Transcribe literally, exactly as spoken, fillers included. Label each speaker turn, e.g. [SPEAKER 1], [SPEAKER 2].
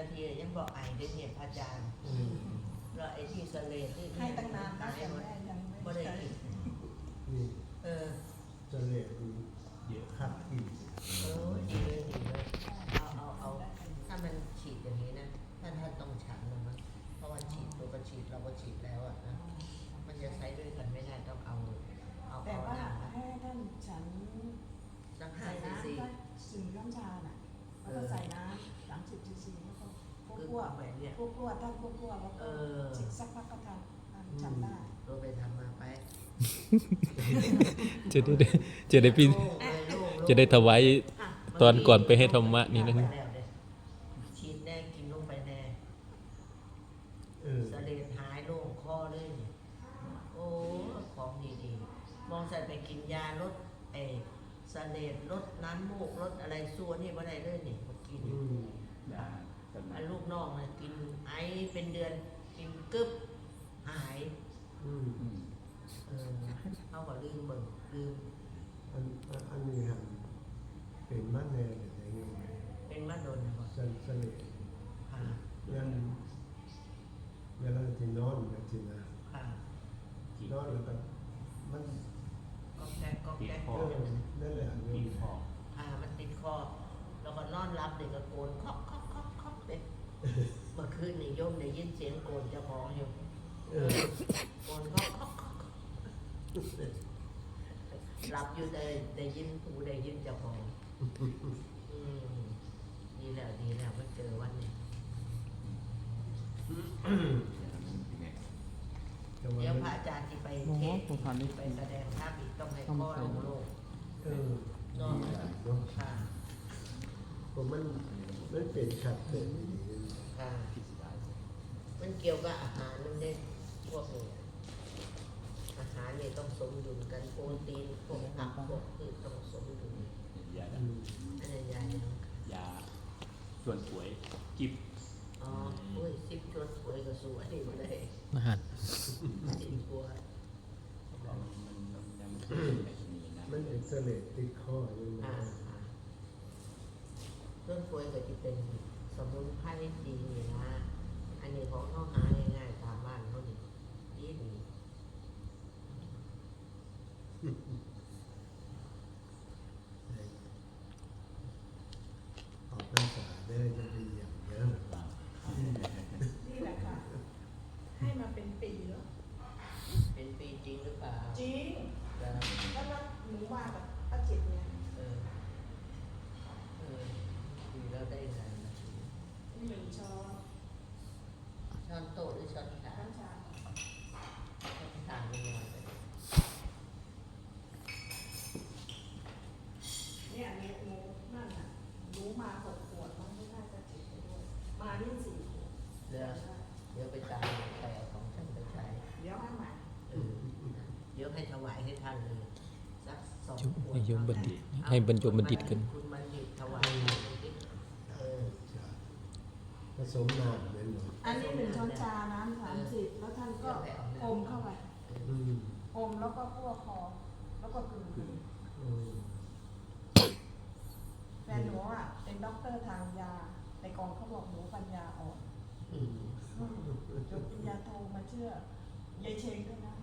[SPEAKER 1] นาทียังบอกไอได้เนี่ยพระอาจารย์แล้วไอ้ที่สเลดที่
[SPEAKER 2] ให้ตั้งนานนะ
[SPEAKER 1] ตาย
[SPEAKER 2] แต่
[SPEAKER 1] หมด
[SPEAKER 2] แม่ยัง
[SPEAKER 1] ไม่
[SPEAKER 2] ไม่
[SPEAKER 1] ได้
[SPEAKER 2] ได้
[SPEAKER 1] กิน
[SPEAKER 3] นี่
[SPEAKER 1] เออ
[SPEAKER 3] จะเละดูเยอะครับกิน
[SPEAKER 1] เออดีเลยดีเลยเอาเอาเอาถ้ามันฉีดอย่างนี้นะท่านท่านต้องฉันนะมั้งเพราะว่าฉีดตัวก็ฉีดเราก็ฉีดแล้วอ่ะนะมันจะใช้ด้วยกันไม่ได้ต้องเอาเอา
[SPEAKER 2] แต่
[SPEAKER 1] เอา
[SPEAKER 2] ว่า
[SPEAKER 1] น้ำนะ
[SPEAKER 2] ให้ท่านฉัน
[SPEAKER 1] สักห้า
[SPEAKER 2] ใส่
[SPEAKER 1] ซี
[SPEAKER 2] น้ำ
[SPEAKER 1] ซี
[SPEAKER 2] ก็สื่อน้ำชาน่ะแล้วก็ใส่น้ำสามสิบซีซีแล้วก็พวก
[SPEAKER 1] คือ
[SPEAKER 2] พวก
[SPEAKER 1] แบบเนี้ย
[SPEAKER 2] พวกพวกท่านพวกพวกแล้ว
[SPEAKER 1] เอ
[SPEAKER 2] ก็
[SPEAKER 1] อ
[SPEAKER 2] ฉีดสักพักก็ทานทานฉันได้
[SPEAKER 1] เราไปทำมาไป
[SPEAKER 4] จะได้จะได้พี่
[SPEAKER 1] โล่งเลยโล่งโล่ง
[SPEAKER 4] จะได้ถวาย
[SPEAKER 1] อ่ะ
[SPEAKER 4] ตอนก่อนไปให้ธรรมะนี่นะ
[SPEAKER 1] ไปแล้วเยฉีดแน่กินลงไปแน่
[SPEAKER 3] เออ
[SPEAKER 1] สะเลดหายโล่งคอเลยนี่โอ้ของดีๆมองใส่ไปกินยาลดไอ้สะเลดลดน้ำมูกลดอะไรส่วนนี่บ่ได้เลยนี่มากิน
[SPEAKER 3] อืม
[SPEAKER 5] ได้กัน
[SPEAKER 1] อันลูกน้องนะกินไอเป็นเดือนกินกึบหาย
[SPEAKER 3] อืม
[SPEAKER 5] อืม
[SPEAKER 1] เออเอาก็ลืมเบิ่งลืม
[SPEAKER 3] อันอันอันนี้หันเป็นมันแน่แต่ยังไง
[SPEAKER 1] เป็นมะดนนะบ่
[SPEAKER 3] สะสะเละ
[SPEAKER 1] ค่ะ
[SPEAKER 3] ยันเวลาที่นอนแบบที่นะ
[SPEAKER 1] ค่ะ
[SPEAKER 5] จีบ
[SPEAKER 3] นอนแล้วก็มัน
[SPEAKER 1] ก็แก๊กก็แก๊ก
[SPEAKER 3] เออนั่นแหละอัน
[SPEAKER 5] จี
[SPEAKER 3] นี้
[SPEAKER 5] บคอ
[SPEAKER 1] อ่ามันติดคอแล้วก็นอนรับเด็กก็โกนคอกคอกคอกคอกเลยเมื่อคืนนี่โยมได้ยินเสียงโกนเจ้าของอยู่
[SPEAKER 3] เออ
[SPEAKER 1] โกนคอกคอกคอกหลับอยู่ได้ได้ยินหูได้ยินเจ้าของอืมดีแล้วดีแล้วมาเจอวันนี้
[SPEAKER 3] แต่ว่า
[SPEAKER 1] เดี๋ยว
[SPEAKER 3] มัน
[SPEAKER 1] พระอาจารย์ที่ไป
[SPEAKER 4] โอ้
[SPEAKER 1] เท
[SPEAKER 4] โห
[SPEAKER 1] ศ
[SPEAKER 4] ผมผ่านได้
[SPEAKER 1] ไปแสดงภาพอีกต้องให้พ่อลงโลก
[SPEAKER 3] เออน
[SPEAKER 1] อน
[SPEAKER 3] เนาะ
[SPEAKER 1] ค่ะ
[SPEAKER 3] ผมมันมันเป็นขัดเป็น
[SPEAKER 1] ค่ะ
[SPEAKER 5] พิสดาร
[SPEAKER 1] มันเกี่ยวกับอาหารนั่นเองพวกนี้อาหารเนี่ยต้องสมดุลกันโปรตีนพวกผักพวกพืชต้องสมดุล
[SPEAKER 5] ยา
[SPEAKER 3] อืม
[SPEAKER 1] อันนี้ยายยัง
[SPEAKER 5] ยาส่วนสวยจิบ
[SPEAKER 1] อ๋อโอ้ยสิบชวนสวยก็สวยมาเลย
[SPEAKER 4] อาหาร
[SPEAKER 1] สิบบัว
[SPEAKER 5] มันมันมันยังไม่เป็นในที่นี้นะ
[SPEAKER 3] มันเป็นเสลดติดคออยู่
[SPEAKER 1] อ่า
[SPEAKER 3] นะ
[SPEAKER 1] อ่าต้นกล้วยก็จะเป็นสมุนไพรดีนี่นะ อันนี้ของเขาหาง่ายๆตามบ้านเขานี่ดีดี
[SPEAKER 3] ออกพรรษาได้จะไปเยี่ยมเยอะ
[SPEAKER 2] นี่แหละค่ะ ให้มาเป็นปีแล้ว
[SPEAKER 1] เป็นปีจริงหรือเปล่า
[SPEAKER 2] จริง
[SPEAKER 1] แล้ว
[SPEAKER 2] แล้วแล้วหนูมากับป้าจิตเนี่ย
[SPEAKER 1] เออเออดีแล้วได้ไงนะ
[SPEAKER 2] หนึ่งช้อน
[SPEAKER 1] ช้อนโต๊ะหรือช้อนชา
[SPEAKER 2] น้ำชา
[SPEAKER 1] ช้อนชาไม่ยอมไป
[SPEAKER 2] เนี่ยเนี่ยหนูนั่นน่ะหนูมาหกขวดมันไม่น่าจะจิตไปด้วยมานี่สี่ขวด
[SPEAKER 1] เดี๋ยวเดี๋ยวไปตามใครเอาของฉันไปใช้
[SPEAKER 2] เดี๋ยวให้ใหม่
[SPEAKER 1] เออเดี๋ยวให้ถวายให้ท่านเลยสักสอง
[SPEAKER 4] จุ
[SPEAKER 1] ขวด
[SPEAKER 4] ให้โยมบัณฑิตให้บรรจงบัณฑิตกัน
[SPEAKER 1] คุณบัณฑิตถวายให้บัณฑิตเออ
[SPEAKER 3] ผสมน้ำเป็นหมด
[SPEAKER 2] อันนี้หนึ่งช้อนชาน้ำสามสิบแล้วท่านก็อมเข้าไป
[SPEAKER 3] อืม
[SPEAKER 2] อมแล้วก็คั่วคอแล้วก็กลืน
[SPEAKER 5] คือ
[SPEAKER 3] อืม
[SPEAKER 2] แฟนหนูอ่ะเป็นด็อกเตอร์ทางยาในกองเขาบอกหนูปัญญาอ่อน
[SPEAKER 1] อืม
[SPEAKER 2] อืมจบปริญญาโทมาเชื่อยายเชงด้วยนะ